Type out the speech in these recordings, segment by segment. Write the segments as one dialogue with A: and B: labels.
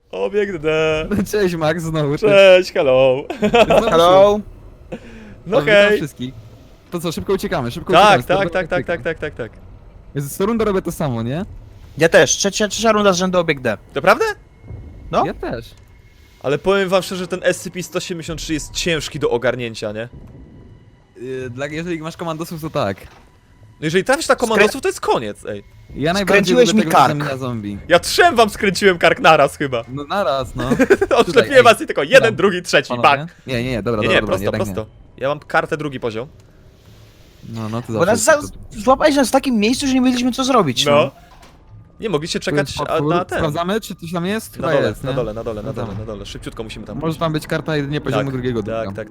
A: Obiekt D.
B: Cześć Max, znowu.
A: Cześć, hello.
B: Hello.
A: No
B: Witam
A: hej.
B: wszystkich. To co, szybko uciekamy, szybko
A: Tak,
B: uciekamy.
A: tak.
B: Jezu, co rundę robię to samo, nie?
C: Ja też, trzecia runda z rzędu obiekt D.
A: Naprawdę?
C: No.
B: Ja też.
A: Ale powiem wam szczerze, że ten SCP-173 jest ciężki do ogarnięcia, nie?
B: Jeżeli masz komandosów, to tak.
A: No jeżeli trafisz na komandosów, to jest koniec, ej.
B: Ja najbardziej
C: Skręciłeś
B: lubię
C: mi
B: tego,
C: kark.
B: że zamienia zombie.
A: Ja trzem wam skręciłem kark naraz chyba.
B: No naraz, no.
A: Odszczepiłem
B: ej.
A: was i tylko jeden,
B: Dobra.
A: drugi, trzeci,
B: Panowie?
A: bak.
B: Nie, dobra,
A: Nie,
B: dobra,
A: prosto,
B: jednak
A: prosto. Ja mam kartę drugi poziom.
B: Nie. No, to
C: Bo nas złapałeś nas w takim miejscu, że nie wiedzieliśmy co zrobić, no.
A: No. Nie mogliście czekać na ten.
B: Sprawdzamy, czy coś tam jest?
A: Na
B: Chyba
A: dole,
B: jest,
A: na
B: nie?
A: dole, na dole, na dole,
B: Sprawdzamy.
A: na dole. Szybciutko musimy tam
B: Może
A: pójść.
B: tam być karta jedynie poziomu drugiego.
A: Tak.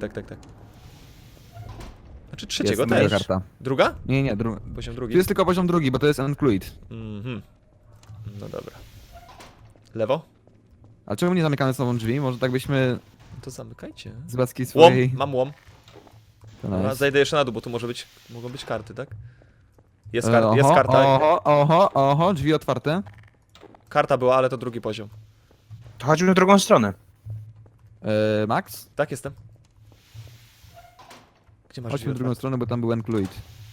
A: Znaczy trzeciego
B: jest moja
A: też.
B: karta.
A: Druga?
B: Nie,
A: Poziom
B: tu
A: drugi.
B: jest tylko poziom drugi, bo to jest Uncluid.
A: Mhm. No dobra. Lewo?
B: A czemu nie zamykamy sobą drzwi? Może tak byśmy
A: No to zamykajcie.
B: z łaski
A: Łom,
B: swojej...
A: mam łom.
B: To
A: Dobra,
B: nice.
A: zajdę jeszcze na dół, bo tu mogą być karty, tak? Jest karta.
B: Oho, drzwi otwarte.
A: Karta była, ale to drugi poziom.
C: To chodźmy w drugą stronę.
B: Max?
A: Tak, jestem. Gdzie masz
B: Chodźmy
A: drzwi
B: w drugą
A: otwarte?
B: stronę, bo tam był Uncluid.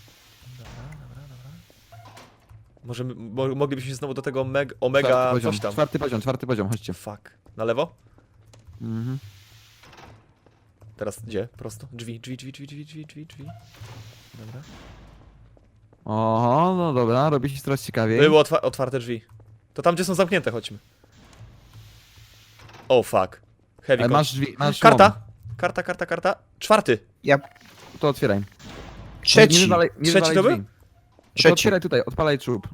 A: Może moglibyśmy się znowu do tego omega coś tam.
B: Czwarty poziom, chodźcie.
A: Fuck. Na lewo?
B: Mhm.
A: Teraz gdzie? Prosto? Drzwi. Dobra.
B: Oho, no dobra, robi się coraz ciekawiej.
A: Były otwarte drzwi. To tam, gdzie są zamknięte, chodźmy. Oh fuck. Heavy
B: Ale
A: con-
B: masz drzwi, masz
A: Karta!
B: łom.
A: Karta. Czwarty.
B: To otwieraj.
C: Trzeci.
B: Nie wywalaj
A: Trzeci to był?
B: drzwi. To
C: Trzeci.
B: otwieraj tutaj, odpalaj czub.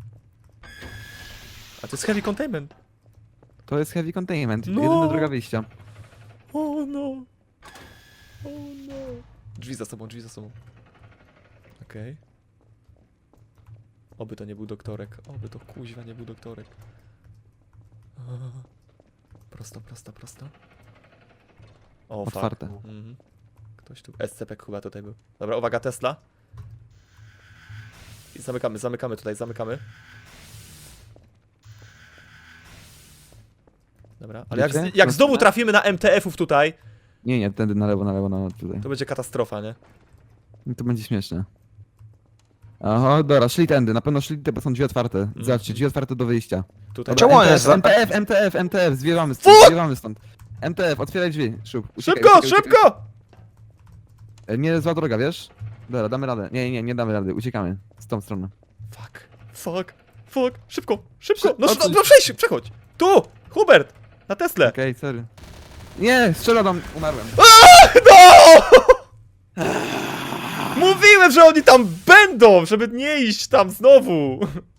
A: A to jest heavy containment.
B: To jest heavy containment,
A: No.
B: jedyna droga wyjścia.
A: Oh no. Drzwi za sobą. Okej. Oby to nie był doktorek. Oby to kuźwa nie był doktorek. Prosto. O, fuck.
B: Otwarte.
A: Mhm. Ktoś tu. SCP chyba tutaj był. Dobra, uwaga, Tesla. I zamykamy tutaj. Dobra, ale
B: Wiecie?
A: jak znowu trafimy na MTF-ów tutaj,
B: Nie, tędy na lewo, tutaj.
A: to będzie katastrofa, nie?
B: To będzie śmieszne. Aha, dobra, szli tędy, na pewno szli te, bo są drzwi otwarte. Zobaczcie, drzwi otwarte do wyjścia.
A: Tutaj.
C: Czemu one jest
B: MTF, zwiewamy stąd. MTF, otwieraj drzwi, szybko.
A: Szybko!
B: Nie, zła droga, wiesz? Dobra, damy radę. Nie damy rady, uciekamy. Z tą stroną.
A: Fuck. Szybko! No,
B: O co-
A: przechodź! Tu! Hubert! Na Teslę!
B: Okej, sorry. Nie, strzela tam, umarłem.
A: No! Mówiłem, że oni tam będą, żeby nie iść tam znowu!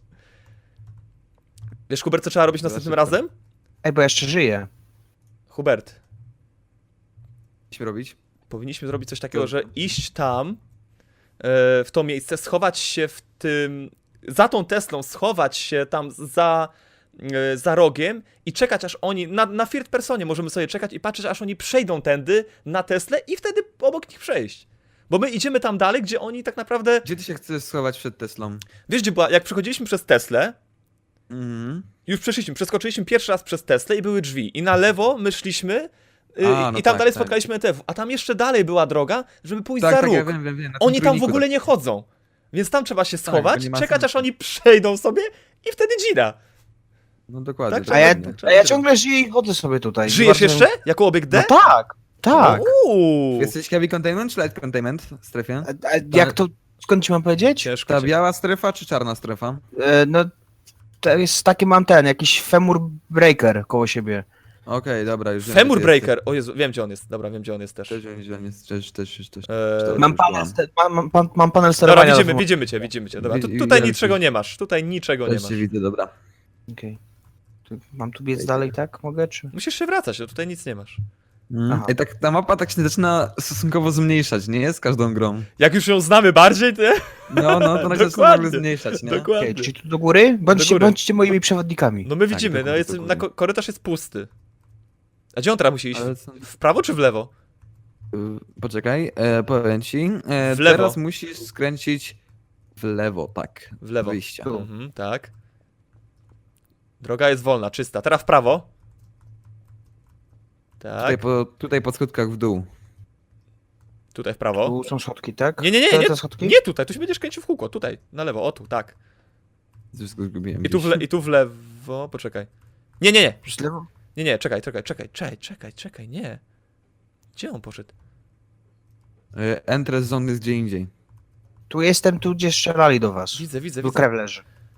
A: Wiesz, Hubert, co trzeba robić następnym
B: szybko.
A: razem?
C: Ej, bo ja jeszcze żyję.
A: Hubert,
B: Co robić?
A: powinniśmy zrobić coś takiego, że iść tam, w to miejsce, schować się w tym... Za tą Teslą, schować się tam za rogiem i czekać aż oni, na third personie możemy sobie czekać i patrzeć aż oni przejdą tędy na Teslę i wtedy obok nich przejść. Bo my idziemy tam dalej, gdzie oni tak naprawdę...
B: Gdzie ty się chcesz schować przed Teslą?
A: Wiesz gdzie była, jak przechodziliśmy przez Teslę,
B: Mhm.
A: już przeskoczyliśmy pierwszy raz przez Teslę i były drzwi. I na lewo my szliśmy
B: no
A: i tam
B: tak,
A: dalej
B: tak.
A: spotkaliśmy NTF. A tam jeszcze dalej była droga, żeby pójść za
B: Tak,
A: róg.
B: ja wiem. na tym
A: Oni tam w
B: trójniku,
A: ogóle nie chodzą. Więc tam trzeba się
B: bo
A: schować,
B: nie ma
A: czekać
B: sensu.
A: aż oni przejdą sobie i wtedy dzida.
B: No dokładnie.
A: Tak,
C: A ja,
A: tak,
C: a ja ciągle żyję i chodzę sobie tutaj.
A: Żyjesz
C: Bardzo-
A: jeszcze? Jako obiekt D?
C: No tak.
A: Uuu.
B: Jesteś heavy containment czy light containment w strefie?
C: A jak to, skąd ci mam powiedzieć?
A: Ciężko.
B: Ta biała strefa czy czarna strefa?
C: No, to jest taki mam jakiś femur breaker koło siebie.
B: Okej, dobra, już wiem,
A: Femur
B: gdzie ty
A: Breaker. O Jezu, wiem gdzie on jest. Dobra, wiem gdzie on jest też.
B: jesteś. Też wiem, gdzie on jest, też.
C: Mam panel, mam panel
A: Dobra,
C: sterowania.
A: widzimy cię. Dobra,
B: Wi-
A: tutaj
B: widzę
A: niczego
B: cię.
A: nie masz. Tutaj niczego nie
B: Też
A: masz.
B: cię widzę, dobra.
C: Okej. Mam tu biec dalej, tak? Mogę, czy?
A: Musisz się wracać, no tutaj nic nie masz.
C: Aha.
B: I tak ta mapa tak się zaczyna stosunkowo zmniejszać, nie? Z każdą grą.
A: Jak już ją znamy bardziej, to...
B: No, to nagle zaczyna
A: Dokładnie.
B: nagle zmniejszać, nie?
A: Dokładnie.
C: Okej, czyli tu do góry?
A: Do góry.
C: Bądźcie moimi przewodnikami.
A: No my widzimy,
B: do
A: no
B: góry,
A: jest,
B: do góry.
A: korytarz jest pusty. A gdzie on teraz musi iść?
B: Ale co-
A: W prawo czy w lewo?
B: Poczekaj, powiem ci.
A: W lewo.
B: Teraz musisz skręcić w lewo, tak.
A: W lewo.
B: Wyjścia.
C: Tu.
A: Mhm, tak. Droga jest wolna, czysta. Teraz w prawo. Tak,
B: Tutaj po schodkach w dół.
A: tutaj w prawo.
C: Tu są schodki, tak?
A: Nie,
C: Te schodki?
A: nie tutaj, tu się będziesz kręcił w kółko, tutaj, na lewo, o tu, tak.
B: Wszystko zgubiłem.
A: I tu w lewo, poczekaj. Nie,
C: Już lewo?
A: nie, czekaj, nie. Gdzie on poszedł?
B: Entrance zone jest gdzie indziej.
C: Tu jestem, tu gdzie strzelali do was.
A: Widzę.
C: Tu krew leży.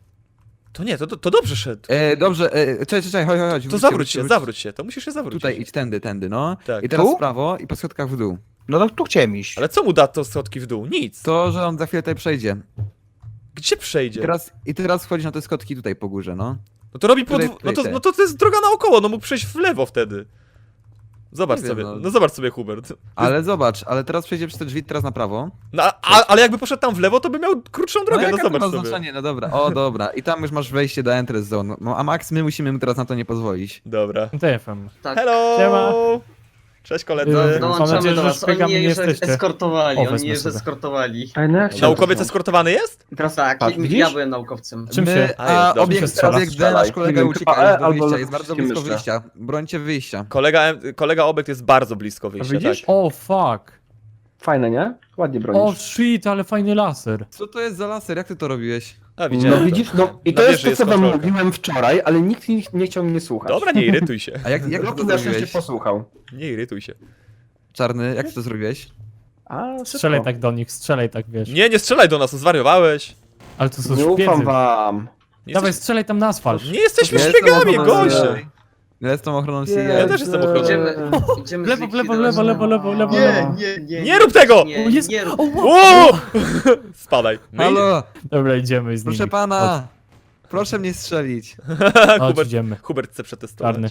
A: To nie, to dobrze szedł.
B: Dobrze, czekaj, chodź.
A: To
B: Wróćcie,
A: zawróć się, to musisz się zawrócić.
B: Tutaj idź tędy, no.
A: Tak.
B: I teraz
C: Tu?
B: w prawo i po schodkach w dół.
C: No to tu chciałem iść.
A: Ale co mu da to schodki w dół? Nic.
B: To, że on za chwilę tutaj przejdzie.
A: Gdzie przejdzie?
B: I teraz wchodzi na te schodki tutaj po górze, no.
A: No to robi
B: Tutaj,
A: no to jest droga naokoło, no mógł przejść w lewo wtedy. Zobacz
B: Nie wiem,
A: sobie,
B: no.
A: no zobacz sobie, Hubert.
B: Ale zobacz, ale teraz przejdzie przez te drzwi, teraz na prawo.
A: No, ale jakby poszedł tam w lewo, to by miał krótszą drogę, no
B: jaka to
A: zobacz
B: ma
A: sobie.
B: znaczenie? No dobra, dobra. I tam już masz wejście do entrance zone. No, a Max, my musimy mu teraz na to nie pozwolić.
A: Dobra.
D: TFM.
E: Tak.
A: Hello!
D: Siema.
A: Cześć koledzy.
D: Mam
E: Dołączamy
D: nadzieję,
E: do
D: że
E: was.
D: szpiegami
E: Oni
D: nie
E: już
D: jesteście.
E: eskortowali,
D: O,
E: oni
D: wezmę
E: już
D: sobie.
E: eskortowali.
F: Ale no jak się
A: Naukowiec eskortowany jest?
E: Teraz tak,
F: Patrz, widzisz?
E: ja byłem naukowcem.
D: Czym się...
A: A, jest, dobrze.
D: się strzela?
B: Obiekt D, nasz kolega
F: Nie wiem,
B: ucieka
F: chyba
B: już do
F: albo
B: wyjścia, jest bardzo blisko
F: myszka.
B: wyjścia. Brońcie wyjścia.
A: Kolega obiekt jest bardzo blisko
F: A
A: wyjścia,
F: widzisz?
A: tak.
D: O, fuck.
F: Fajne, nie? Ładnie
D: O,
F: bronisz.
D: shit, ale fajny laser.
B: Co to jest za laser? Jak ty to robisz?
A: A,
F: No
A: widziałem.
F: widzisz,
A: to.
F: no i
A: Na
F: to jest
A: wieży
F: to,
A: jest
F: co wam
A: kontrolka.
F: mówiłem wczoraj, ale nikt nie chciał mnie słuchać.
A: Dobra, nie irytuj się.
B: A jak ty
F: Loki
B: to
F: na szczęście
B: zrobiłeś?
F: posłuchał.
A: Nie irytuj się.
B: Czarny, jak ty to zrobiłeś?
F: A,
D: Strzelaj
F: szybko.
D: tak do nich, strzelaj tak, wiesz.
A: Nie strzelaj do nas, zwariowałeś.
D: Ale to są
F: Nie ufam
D: szpiedzy.
F: wam.
A: Nie,
D: Dawaj,
A: jesteś,
D: strzelaj tam na asfalt.
A: nie jesteśmy
B: Ja jestem
A: szpiegami,
B: ochroną
A: goście.
B: CIA. Ja jestem ochroną CIA.
A: Ja też jestem ochroną.
E: Idziemy
D: W lewo, w lewo, w
E: zlikwidować-
D: lewo, lewo, lewo,
E: Nie,
D: lewo.
E: nie.
A: Nie rób tego!
D: O, jest...
E: Nie rób.
D: O, wow.
A: Uuu! Spadaj. No i...
B: Halo,
D: Dobra, idziemy z nimi.
B: proszę pana. Proszę mnie strzelić.
D: Chodź,
A: Hubert,
D: idziemy.
A: Hubert chce przetestować.
D: Czarny.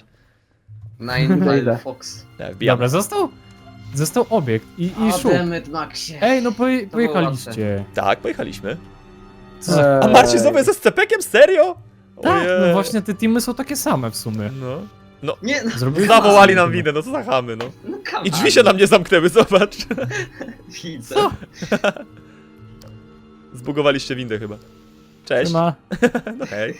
E: Nine
F: Idę.
E: Fox.
A: Tak, wbijamy.
D: Dobra, został obiekt i szuk.
E: Ademet Maxie.
D: Ej, no
E: było
D: pojechaliście.
A: Tak, pojechaliśmy.
D: Co za...
A: A Marcin znowu jest ze scepekiem? Serio?
D: Tak,
A: Ojej.
D: no właśnie te teamy są takie same w sumie.
A: No.
E: Nie, no,
D: Zrobili
A: Zawołali nam winę, no co za chamy, no.
E: no come
A: I drzwi się
E: on.
A: nam nie zamknęły, zobacz.
E: Widzę.
A: Zbugowaliście windę chyba. Cześć.
D: Ma.
A: No hej.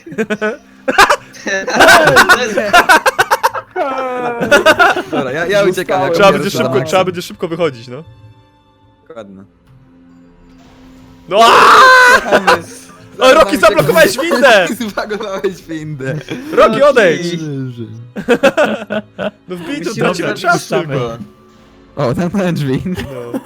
B: Dobra, ja uciekam. jako
A: Trzeba
B: pierwszy
A: będzie
B: za Maxem.
A: szybko wychodzić, no.
B: Dokładnie.
A: No O, Roki, zablokowałeś windę!
B: Zablokowałeś windę.
A: Roki, odejdź! No wbij tu,
E: Musimy
A: tracimy
E: zrobić
A: czas
D: same.
A: tylko.
B: O, zamknąłem drzwi.
A: No.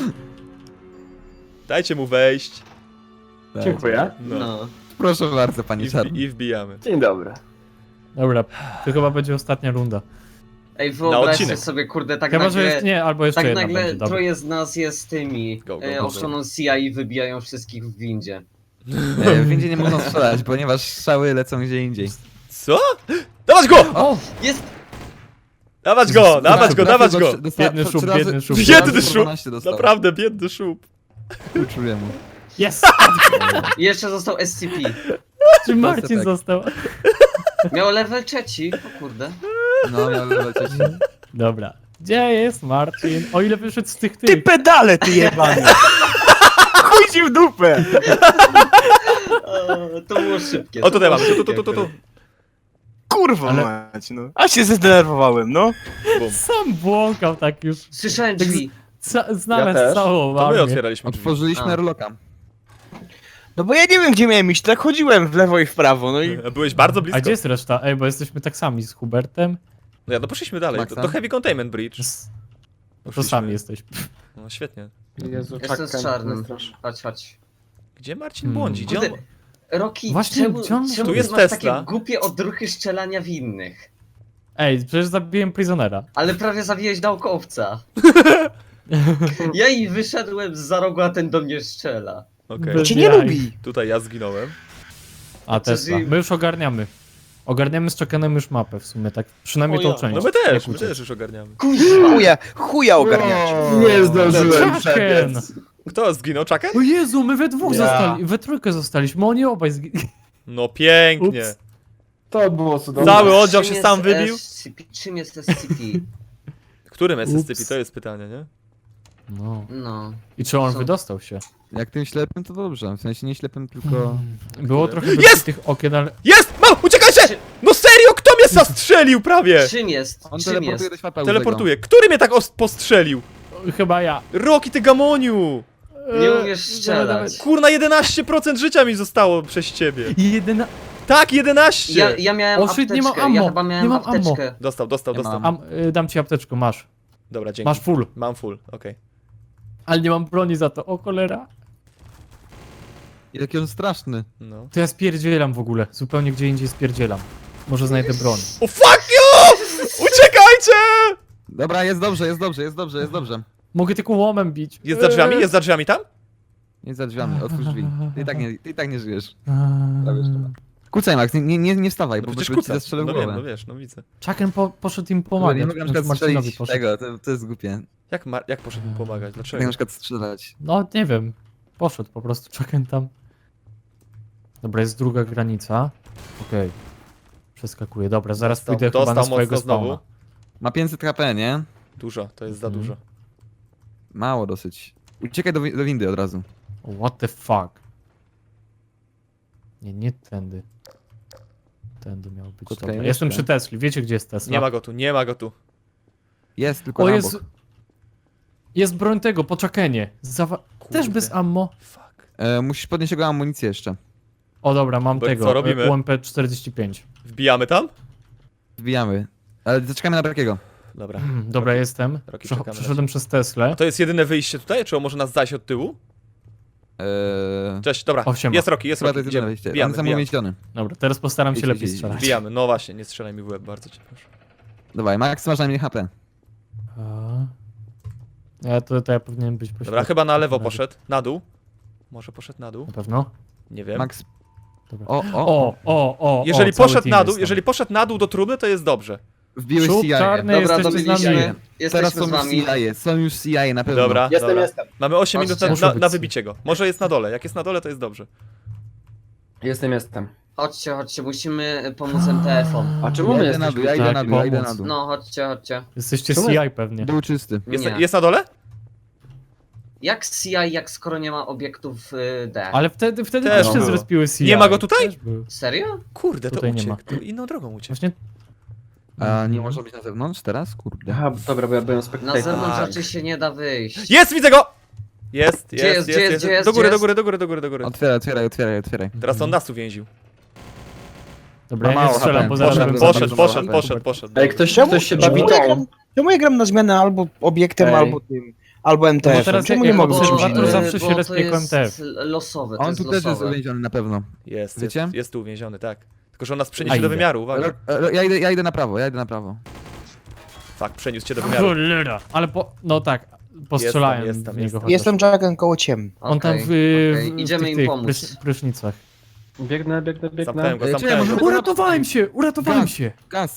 A: Dajcie mu wejść.
F: Dziękuję.
A: No.
E: No.
B: Proszę bardzo, panie Czarny.
A: I wbijamy.
F: Dzień dobry.
D: Dobra, to chyba będzie ostatnia runda.
E: Ej, wyobraźcie
A: odcinek.
E: sobie, kurde, tak
D: Chyba, że
E: nagle...
D: jest... Nie, albo jeszcze
E: Tak
D: jedna
E: nagle
D: będzie, dobra.
E: troje z nas jest tymi
A: Go, go, go.
E: ochroną CIA i wybijają wszystkich w windzie.
B: W windzie nie mogą strzelać, ponieważ strzały lecą gdzie indziej.
A: Co? Dawać go!
D: O!
E: Jest!
A: Dawać go! Dawać go! Dawać go!
D: Biedny szub, biedny szub.
A: Biedny szub!
B: 12 dostał.
A: Naprawdę, biedny szub.
B: Czuję mu.
D: Jest!
E: I jeszcze został SCP.
D: Czy Marcin
B: tak.
D: został?
E: Miał level 3, o kurde.
B: No, miał lecieć.
D: Dobra. Gdzie jest Marcin? O ile wyszedł z tych
C: Ty
D: tych...
C: pedale, ty jebany! Chuj ci w dupę!
E: To było szybkie.
A: O, tutaj mamy.
E: szybkie
A: Tu.
E: akurat.
C: Kurwa
D: Ale-
C: mać, no. A się zdenerwowałem, no.
A: Bum.
D: Sam błąkał tak już.
E: Słyszałem drzwi.
D: Znamy
F: też.
D: całą
A: To my
D: armię.
A: otwieraliśmy drzwi.
B: Otworzyliśmy
E: A.
B: Reloka.
C: No bo ja nie wiem, gdzie miałem iść, tak chodziłem w lewo i w prawo, no i...
A: Byłeś bardzo
D: A
A: blisko.
D: gdzie jest reszta? Ej, bo jesteśmy tak sami z Hubertem.
A: No ja, no poszliśmy dalej.
B: Maxa?
A: To Heavy Containment Bridge.
D: To
A: Poszliśmy.
D: sami jesteśmy.
A: No świetnie.
F: Jezu,
E: Jestem z czarnym. Chodź.
A: Gdzie Marcin błądzi? Gdzie on...
E: Kurde, Roki,
D: Właśnie,
E: czemu,
D: gdzie on-
E: czemu
A: Tu
E: ty
A: jest
E: masz
A: Tesla.
E: takie głupie odruchy strzelania w innych?
D: Ej, przecież zabiłem Prisonera.
E: Ale prawie zabiłeś naukowca. Ja i wyszedłem za rogu, a ten do mnie strzela.
A: Okej.
D: Bez
C: Cię nie
D: jaj.
C: lubi!
A: Tutaj ja zginąłem.
D: A Tesla. My już ogarniamy. Ogarniamy z Chuckenem już mapę w sumie, tak przynajmniej
E: O
D: tą
E: ja.
D: część.
A: No my
D: Jak
A: też
D: uciec.
A: już ogarniamy.
C: Chuja ogarniacie.
F: Nie zdążyłem
D: Chucken!
F: przebiec.
A: Kto zginął? Czakę?
D: O Jezu, my we dwóch
F: Ja.
D: zostali, we trójkę zostaliśmy, oni obaj
A: No pięknie.
D: Ups.
F: To było cudowne.
A: Cały oddział
E: Czym
A: się
E: jest
A: sam wybił?
E: SCP? Czym jest SCP?
A: Którym SCP?
D: Ups.
A: To jest pytanie, nie?
D: No.
E: No.
D: I czy on
E: Co?
D: wydostał się?
B: Jak tym ślepym, to dobrze. W sensie nie ślepym, tylko...
D: Było trochę
A: Jest!
D: tych okien, ale...
A: Jest! Mam! Uciekajcie! No serio, kto mnie AWS-a strzelił prawie!
E: Czym jest?
B: On
E: Czym
B: teleportuje
E: jest?
B: do świata
A: Teleportuje. Który mnie tak postrzelił?
D: Chyba ja.
A: Roki, ty gamoniu!
E: Nie umiesz strzelać.
A: Kurna, 11% życia mi zostało przez ciebie.
D: Jedyna...
A: Tak, 11!
E: Ja miałem
D: O, shit,
E: apteczkę,
D: nie mam
E: ja
D: ammo,
E: chyba
D: nie
E: miałem
D: mam ammo.
E: apteczkę.
A: Dostał.
B: Nie mam.
D: Dam ci apteczkę, masz.
A: Dobra, dzięki.
D: Masz full.
A: Mam full, okej.
D: Ale nie mam broni za to. O cholera.
B: Jaki on straszny.
A: No.
D: To ja spierdzielam w ogóle. Zupełnie gdzie indziej spierdzielam. Może znajdę broń.
A: O fuck you! Uciekajcie!
B: Dobra, jest dobrze, jest dobrze, jest dobrze, jest dobrze.
D: Mogę tylko łomem bić.
A: Jest za drzwiami? Jest za drzwiami tam?
B: Nie za drzwiami, otwórz drzwi. Ty i tak nie żyjesz.
D: Eee.
B: Prawie szczerze. Kucaj, Max, nie wstawaj,
A: No
B: bo
A: przecież
B: ci
A: kuca.
B: zastrzelę w
A: No
B: głowę.
A: wiem, no wiesz, no widzę.
D: Chucken poszedł im
B: Nie
D: pomagać.
B: mogę na przykład
D: Marcinowi
B: strzelić
D: poszedł.
B: tego, to jest głupie.
A: Jak poszedł mi pomagać?
B: Tak na
A: Dlaczego?
B: przykład strzelać.
D: No, nie wiem. Poszedł po prostu Chucken tam. Dobra, jest druga granica. Okej. Przeskakuję. Dobra, zaraz
A: Dostał-
D: pójdę chyba na
A: dostał
D: swojego
A: mocno znowu.
D: spawna.
B: Ma 500 HP, nie?
A: Dużo, to jest za
D: Mhm.
A: dużo.
B: Mało dosyć. Uciekaj do windy od razu.
D: What the fuck? Nie tędy. Tędy miał być.
B: Kutka
D: Dobra.
B: jeszcze.
D: Jestem przy Tesli. Wiecie gdzie jest Tesla?
A: Nie ma go tu, nie ma go tu.
B: Jest, tylko
D: O,
B: na
D: jest...
B: bok.
D: Jest broń tego, po Chuckenie.
A: Kurde.
D: Też bez ammo.
A: Fuck.
B: Musisz podnieść jego amunicję jeszcze.
D: O dobra, mam
A: Bo
D: tego.
A: co robimy?
D: UMP-45.
A: Wbijamy tam?
B: Wbijamy. Ale zaczekamy na takiego.
A: Dobra.
D: Dobra, jestem.
A: Roki, czekamy na
D: Przeszedłem przez Teslę.
A: To jest jedyne wyjście tutaj, czy on może nas zajść od tyłu? Cześć, dobra.
D: O, siema.
A: Jest Roki, jest
B: Chyba to
A: Roki.
B: jest jedyne
A: Idziemy.
B: wyjście. On
A: Wbijamy,
B: jest
A: wbijamy.
B: amunicjony.
D: Dobra, teraz postaram się
B: Idź,
D: lepiej
B: idź, idź.
D: strzelać.
A: Wbijamy, no właśnie, nie strzelaj mi w łeb, bardzo cię proszę.
B: Dawaj, Max, masz na mnie HP.
D: To ja powinienem być po
A: Dobra,
D: środku.
A: chyba na lewo poszedł, na dół. Może poszedł na dół?
D: Na pewno?
A: Nie wiem.
B: Max.
D: Dobra.
B: O,
A: Jeżeli
D: cały
A: poszedł
D: team
A: na
D: jest
A: dół,
D: tam.
A: jeżeli poszedł na dół do trumny, to jest dobrze.
B: wbiłeś
D: Szub
B: CIA.
D: czarny,
E: Dobra,
D: jesteście z
E: dobiliśmy.
D: nami.
B: Teraz
E: Jesteśmy
B: są
E: z
B: już
E: wami.
B: CIA, są już CIA na pewno.
A: Dobra,
F: Jestem,
A: dobra.
F: jestem.
A: Mamy 8 minut
E: Chodźcie.
D: Muszą
A: na
D: być.
A: wybicie go. Może jest na dole, jak jest na dole, to jest dobrze.
F: Jestem.
E: Chodźcie, musimy pomóc MTF-om.
F: A czemu my
B: Ja idę na dół, ja
F: jesteśmy?
B: idę na dół, ja idę
D: pomóc.
B: na dół.
E: No, chodźcie.
D: Jesteście
F: Czemu
D: CI pewnie.
B: Dół czysty.
A: Jest,
E: Nie.
A: jest na dole?
E: Jak CI, jak skoro nie ma obiektów D?
D: Ale wtedy
A: Też
D: też się
A: było.
D: zrespiły CI.
A: Nie ma go tutaj?
D: Też był.
E: Serio?
A: Kurde, to
D: Tutaj nie
A: uciekł.
D: ma.
A: To inną drogą uciekł.
D: Właśnie...
B: A nie może być na zewnątrz teraz? Kurde.
F: Aha, dobra, bo ja byłem
E: Na
F: spektator.
E: zewnątrz
A: Tak.
E: raczej się nie da wyjść.
A: Jest, widzę go! Jest,
E: Gdzie jest, gdzie jest, gdzie jest,
A: Do góry,
E: gdzie
A: do góry, do góry, do góry, do góry.
B: Otwieraj.
A: Teraz on nas uwięził.
D: Dobra, ja
B: Ma
D: nie
B: mało
D: strzelam,
B: HP.
D: bo zaraz bym
B: Poszedł,
D: zabił.
A: Poszedł.
F: Ej, ktoś się
C: Czemu
F: bawi
C: ja
F: tą.
C: gram- Czemu ja gram na zmianę albo obiektem,
F: Ej.
C: albo tym, albo
D: No
C: MTF-em?
D: bo teraz
C: Czemu
D: jak
C: nie mogę być czymś
D: obserwator
C: innym?
D: zawsze się
E: bo to
D: respie jako
E: jest
D: MTF.
E: losowe, to
B: On
E: jest
B: tu też jest
E: losowe.
B: uwięziony na pewno.
A: Jest,
B: Wiecie?
A: jest tu uwięziony, tak. Tylko, że on nas
D: A
A: przeniesie do
D: idę.
A: wymiaru, uwaga.
B: Ja idę na prawo,
A: Fakt, przeniósł cię do wymiaru.
D: Cholera. Ale no tak, postrzelałem
A: Jest tam,
D: w niego
A: jest tam.
D: chociaż.
C: Jestem Jacken koło ciem.
D: On tam w,
E: Okej,
D: w
E: idziemy
D: tych,
E: im
D: tych
E: pomóc.
D: prysznicach.
F: Biegnę.
A: Zamknąłem go,
B: Czekaj,
A: zamknąłem
B: może-
A: go.
D: Uratowałem się!
B: Gaz.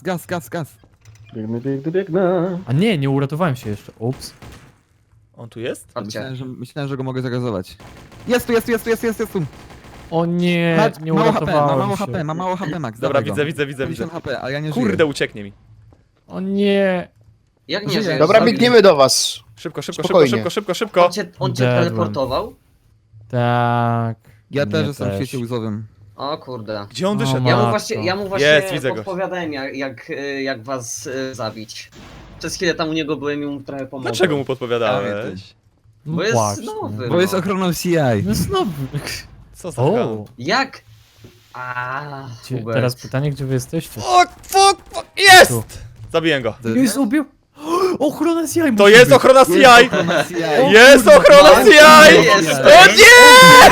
F: Biegnę.
D: A nie uratowałem się jeszcze. Ups.
A: On tu jest?
E: Chodźcie.
B: Myślałem, że go mogę zagazować. Jest tu.
D: O nie,
B: Patrz,
D: nie
B: mało HP,
D: uratowałem się.
B: ma mało HP, Max.
A: Dobra,
B: dawaj go.
A: widzę.
B: 50 HP, a ja nie żyję.
A: Kurde, ucieknie mi.
D: O nie.
E: Jak nie
B: Żyję.
E: żyjesz?
C: Dobra,
E: Zabił.
C: biegniemy do was.
A: Szybko.
C: Spokojnie.
E: On cię
D: Dedłem.
E: teleportował?
D: Tak.
B: Ja też
D: Mnie
B: jestem w świecie łzowym.
E: O kurde.
A: Gdzie on
D: O,
A: wyszedł?
D: ma-
E: Ja mu właśnie
A: Jest, widzę go.
E: podpowiadałem jak was zabić. Przez chwilę tam u niego byłem i mu trochę pomogłem.
A: Dlaczego mu podpowiadałeś?
E: Bo jest
D: Płacz,
E: nowy.
B: Bo jest ochroną CI.
D: No znowu.
A: Co za ham.
D: O,
E: Jak?
D: teraz pytanie, gdzie wy jesteście?
A: Fuck!
D: Tu.
A: Jest! Zabiję go.
D: Jest ubił. Ochrona CI
A: To
D: musi
A: jest
D: być.
A: ochrona CI!
B: Ochrona CI.
A: Jest ochrona CI!
E: Jest.
A: O nie!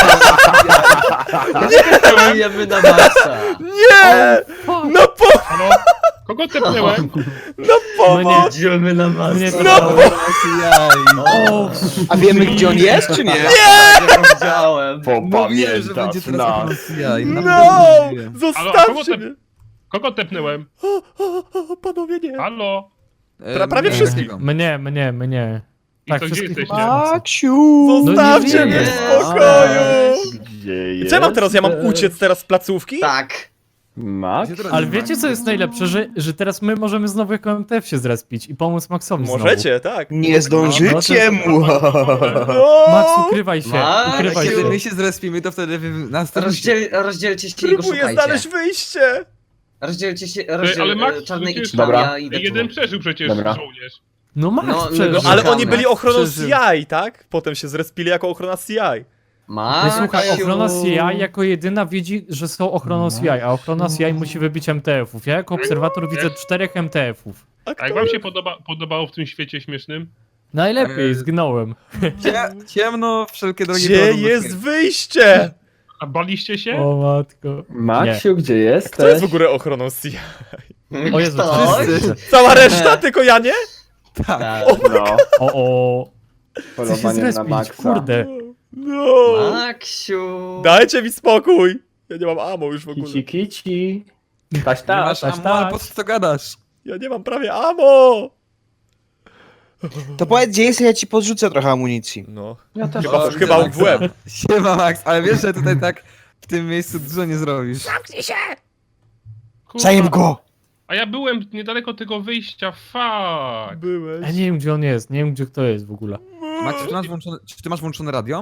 E: Polujemy na maksa.
A: Nie! No
G: Kogo tepnęłem?
A: pomoc!
E: Idziemy na maksa.
D: Mnie to
A: No,
D: dało.
B: Ochrona CI.
D: O,
C: A wiemy gdzie on jest, czy nie?
E: Ja widziałem.
B: Mówiłem, że będzie teraz ochrona CI.
A: No!
G: Halo, kogo,
A: Zostawcie mnie!
G: kogo tepnęłem?
A: Panowie nie!
G: Halo?
A: prawie wszystkich.
D: Mnie.
G: I
D: Tak,
G: to gdzie
D: wszystkich
G: jesteście?
D: macie.
C: Maksiu!
A: Zostawcie
D: No nie
A: mnie w
E: wiem.
A: spokoju!
F: Gdzie
A: I co ja mam teraz? Ja mam uciec teraz z placówki?
E: Tak.
F: Max?
D: Ale wiecie co jest najlepsze, że teraz my możemy znowu jako MTF się zrespić i pomóc Maxowi znowu.
A: Możecie, tak.
C: Nie zdążycie mu!
A: No!
D: Max, ukrywaj się,
E: Max,
D: ukrywaj
B: Kiedy
D: się.
B: my się zrespimy, to wtedy wy nas
E: Rozdzielcie się i go
A: Próbuję
E: szukajcie.
A: znaleźć wyjście!
E: Rozdzielcie się,
G: ale Max
E: czarny
G: przecież-
E: idź tam,
F: Dobra.
E: ja idę tu.
G: Jeden przeżył przecież
F: Dobra.
G: żołnierz.
D: No Max
E: No,
D: przeżył.
A: No, ale oni byli ochroną
B: Przeżył.
A: CI, tak? Potem się zrespili jako ochrona CI.
D: No, słuchaj,
E: Maksiu.
D: ochrona CI jako jedyna widzi, że są ochroną CI, a ochrona CI musi wybić MTF-ów. Ja jako obserwator widzę 4 MTF-ów.
A: A
G: A
A: kto
G: jak wam się podobało w tym świecie śmiesznym?
D: Najlepiej, zgnąłem.
B: Ciemno, wszelkie drogi
A: Gdzie
B: prowadzą do
A: jest
B: śmierci.
A: wyjście?
G: A baliście się?
D: O matko.
F: Maksiu, gdzie
A: Kto jest w
F: jesteś?
A: ogóle ochroną CI?
D: O Jezu,
E: Ktoś?
B: Wszyscy.
A: Cała reszta, tylko ja nie?
E: Tak.
F: No,
D: O, chcę się
F: polowanie na
D: zrespić,
F: Maxa.
D: kurde.
A: No.
E: Maksiu.
A: Dajcie mi spokój. Ja nie mam ammo już w ogóle.
F: Kici, kici. Taś,
B: Nie
F: taś.
B: masz
D: tak,
B: ammo, ale
D: tak.
B: po co to gadasz?
A: Ja nie mam prawie ammo.
C: To powiedz, gdzie jest, ja ci podrzucę trochę amunicji.
A: No.
F: Ja też
A: Chyba,
B: O,
A: chyba
B: Maxa.
A: w łeb.
B: Siema Max, ale wiesz, że tutaj tak w tym miejscu dużo nie zrobisz.
G: Kurwa.
C: Zajem go!
G: A ja byłem niedaleko tego wyjścia, fuck.
A: Byłeś.
D: Ja nie wiem gdzie on jest, nie wiem gdzie kto jest w ogóle.
B: Max, czy ty masz włączone radio?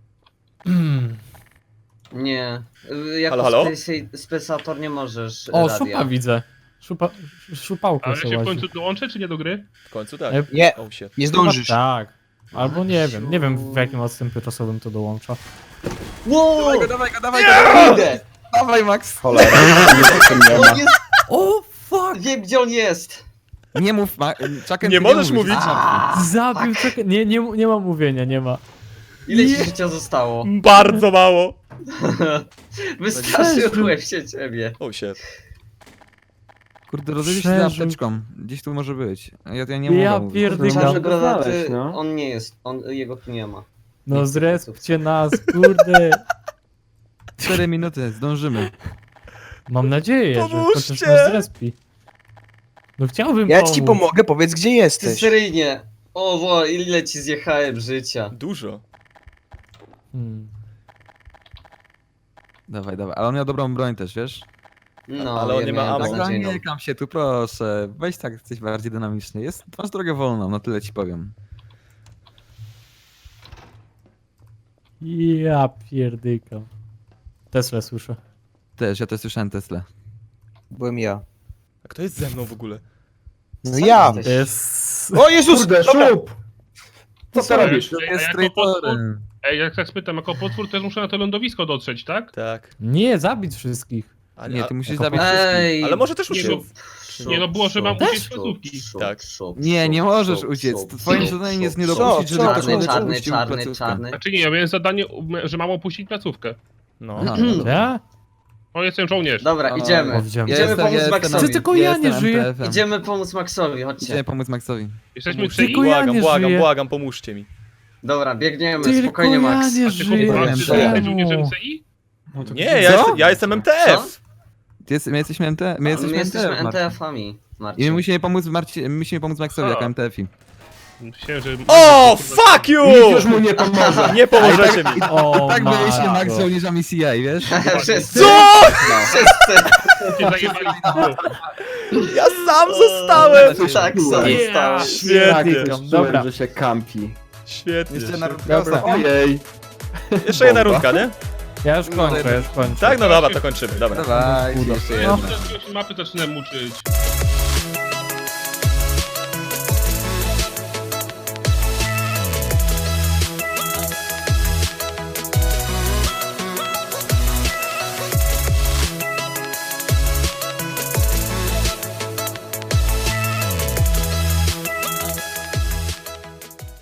E: Nie. Jako
A: Halo, halo?
E: spesator nie możesz
D: O,
E: radia.
D: szupa widzę. Szupałkę
G: Ale
D: sobie
G: się w
D: łazi.
G: końcu dołączę, czy nie do gry?
A: W końcu tak.
C: Nie,
A: Oh shit.
C: nie zdążysz.
D: Tak. Albo nie wiem w jakim odstępie czasowym to dołącza.
E: Wow!
B: Dawaj go,
E: Idę!
B: dawaj Max.
F: Cholera, nie potem nie ma.
E: On jest...
B: O, fuck!
E: Wiem, gdzie on jest!
B: Nie mów, Chucken,
A: Nie
B: ty
A: możesz
B: mówisz.
A: mówić.
D: Zabił, czekaj, nie ma mówienia, nie ma.
E: Ile ci życia zostało?
A: Bardzo mało.
E: Wystraszyłem się ciebie.
A: Oh shit.
B: Kurde, rozejrzyj się za
D: Przeżył.
B: apteczką. Gdzieś tu może być. Ja nie mogę
D: Ja
B: mówić.
D: pierdykam.
E: Czarne
F: go
E: granaty,
F: znaleźć, no.
E: on nie jest, jego tu nie ma.
D: No zrespcie nas, kurde.
B: 4 minuty, zdążymy.
D: Mam nadzieję, że
A: Pomóżcie!
D: chociaż nas zrespi. No chciałbym
C: Ja
D: pomóc.
C: ci pomogę, powiedz, gdzie
E: Ty
C: jesteś.
E: seryjnie! O, ile ci zjechałem życia.
A: Dużo.
D: Hmm.
B: Dawaj, ale on miał dobrą broń też, wiesz?
E: No,
A: Ale on
E: ja
A: nie ma
E: miałem
A: ammo.
E: beznadziejną.
B: Nie kam się tu, proszę. Weź tak, jesteś bardziej dynamiczny. Masz drogę wolną, no tyle ci powiem.
D: Ja pierdykam. Tesla słyszę.
B: Ja też słyszałem Tesla.
C: Byłem ja.
A: A kto jest ze mną w ogóle?
C: No ja!
E: jesteś?
D: Jest...
C: O Jezus!
F: Kurde,
C: Dobra.
F: szup! Co ty robisz?
B: To
G: Ej,
B: jest
G: a jako potwór,
B: traitorem.
G: jak tak spytam, jako potwór też muszę na to lądowisko dotrzeć, tak?
A: Tak.
D: Nie, zabić wszystkich.
A: A,
B: Nie, ty musisz
D: jako
B: zabić wszystkich.
E: Ej!
A: Ale może też
G: Nie,
A: uciec.
G: Nie no, było, że mam
E: Szup,
G: uciec z
E: szup,
G: placówki.
E: szup,
A: Tak.
E: szup,
B: Nie
E: szup,
B: możesz
E: szup,
B: uciec.
E: szup,
B: Twoim
E: szup,
B: zadaniem jest
E: szup,
B: nie
E: szup.
B: dopuścić, żeby
C: Co?
B: ktokolwiek
E: Czarny,
B: opuścił
E: czarny,
B: placówkę.
E: czarny.
G: Znaczy nie, ja miałem zadanie, że mam opuścić placówkę.
A: No.
B: Aha, no dobra.
D: Ja?
G: O, jestem żołnierz.
E: Dobra,
B: O,
E: idziemy.
D: O, widziałem.
E: Idziemy pomóc
B: jestem
E: Maxowi.
D: Czy tylko ja nie
B: jestem
D: żyję?
B: MTF-em.
E: Idziemy pomóc Maxowi, chodźcie.
B: Idziemy pomóc Maxowi.
G: Jesteśmy w
D: Tylko
G: CI?
D: ja
A: Błagam,
D: nie
A: błagam,
D: żyję.
A: błagam, pomóżcie mi.
E: Dobra, biegniemy,
D: Tylko
E: spokojnie
D: ja
E: Max.
D: nie
G: Ty
D: żyję.
G: chłopak, ty jesteś
D: Czemu?
G: żołnierzem CI?
A: Nie, ja jestem MTF.
B: My jesteśmy MTF.
E: My jesteśmy
B: Marcin.
E: NTF-ami,
B: I
E: Marcin.
B: my musimy pomóc Maxowi
G: A.
B: jako MTF-i.
G: Myślałem, że...
A: O, fuck you!
F: Już mu nie pomoże.
A: Nie pomożecie mi.
D: O,
B: Tak byliśmy
D: matko.
B: Max żołnierzami CI, wiesz?
E: Wszyscy,
A: Co?
E: wszyscy.
G: Cię zajebali w dół.
A: Ja sam zostałem.
E: Tak, sorry,
D: Yeah.
E: stałem.
A: Świetnie,
D: Dobra.
F: że się kampi.
A: świetnie.
B: Jeszcze na
D: Dobra.
F: Ojej.
A: Jeszcze jedna rundka, nie?
D: Ja już kończę.
A: Tak, no dobra, to kończymy. Dobra.
B: Dawaj, jeszcze
D: No.
B: jedna.
G: Mapy zaczynam uczyć.